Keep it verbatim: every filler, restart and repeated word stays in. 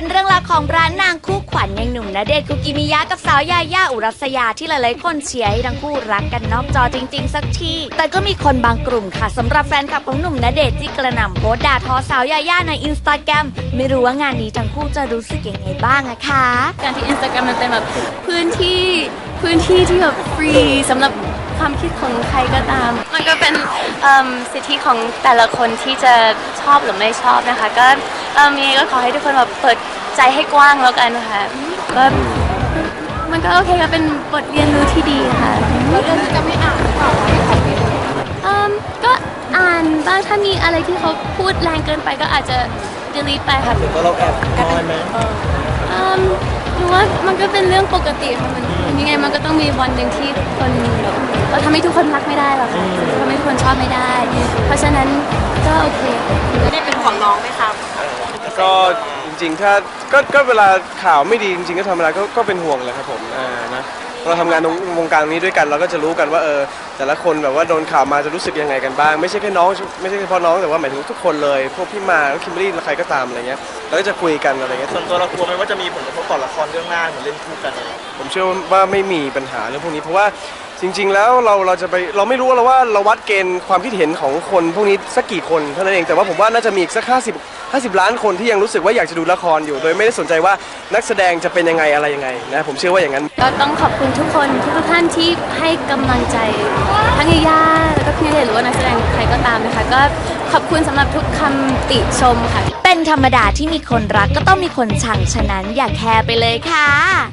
เรื่องราวของร้านนางคู่ขวัญอย่างหนุ่มณเดชน์คุกิมิยะกับสาวยาย่าอุรัสยาที่หลายๆคนเชียร์ให้ทั้งคู่รักกันนอกจอจริงๆสักทีแต่ก็มีคนบางกลุ่มค่ะสำหรับแฟนคลับของหนุ่มณเดชน์ที่กระหน่ำโพสต์ด่าทอสาวยาย่าในอินสตาแกรมไม่รู้ว่างานนี้ทั้งคู่จะรู้สึกยังไงบ้างอะคะการที่ Instagram มันเป็นแบบพื้นที่พื้นที่ที่แบบฟรีสำหรับความคิดของใครก็ตาม มันก็เป็นเอิ่มสิทธิของแต่ละคนที่จะชอบหรือไม่ชอบนะคะ ก็เอิ่มยังไงก็ขอให้ทุกคนแบบเปิดใจให้กว้างแล้วกันค่ะก็มันก็โอเคก็เป็นบทเรียนรู้ที่ดีค่ะแล้วเรื่องนี้จะไม่อ่านหรือเปล่าเอิ่มก็อ่านบ้างถ้ามีอะไรที่เขาพูดแรงเกินไปก็อาจจะ delete ไปค่ะแล้วเราแอบนอยไหมอืมหนูว่ามันก็เป็นเรื่องปกติค่ะมันยังไงมันก็ต้องมีวันหนึ่งที่คนแบบเราทำให้ทุกคนรักไม่ได้หรอกค่ะทำให้ทุกคนชอบไม่ได้ เพราะฉะนั้นก็โอเคได้เป็นห่วงน้องไหมครับก็จริงๆถ้าก็ก็เวลาข่าวไม่ดีจริงๆก็ทำอะไรก็ก็เป็นห่วงแหละครับผมอ่านะเราทำงานในวงการนี้ด้วยกันเราก็จะรู้กันว่าเออแต่ละคนแบบว่าโดนข่าวมาจะรู้สึกยังไงกันบ้างไม่ใช่แค่น้องไม่ใช่เฉพาะน้องแต่ว่าหมายถึงทุกคนเลยพวกพี่มาน้องคิมเบอรรี่ใครก็ตามอะไรเงี้ยเราก็จะคุยกันอะไรเงี้ยส่วนตัวเรากลัวไหมว่าจะมีผลกระทบต่อละครเรื่องหน้าเหมือนเล่นคู่กันอะไรอย่างเงี้ยผมเชื่อว่าไม่มีปัญหาเรื่องพวกนี้เพราะว่าจริงๆแล้วเราเราจะไปเราไม่รู้ว่าเราว่าเราวัดเกณฑ์ความคิดเห็นของคนพวกนี้สักกี่คนเท่านั้นเองแต่ว่าผมว่าน่าจะมีอีกสักห้าสิบห้าสิบล้านคนที่ยังรู้สึกว่าอยากจะดูละครอยู่ โดยไม่ได้สนใจว่านักแสดงจะเป็นยังไงอะไรยังไงนะผมเชื่อว่าอย่างนั้นก็ต้องขอบคุณทุกคนทุกท่านที่ให้กำลังใจทั้งย่าแล้วก็พี่ณเดชน์หรือว่านักแสดงใครก็ตามนะคะก็ขอบคุณสำหรับทุกคำติชมค่ะเป็นธรรมดาที่มีคนรักก็ต้องมีคนชังฉะนั้นอย่าแคร์ไปเลยค่ะ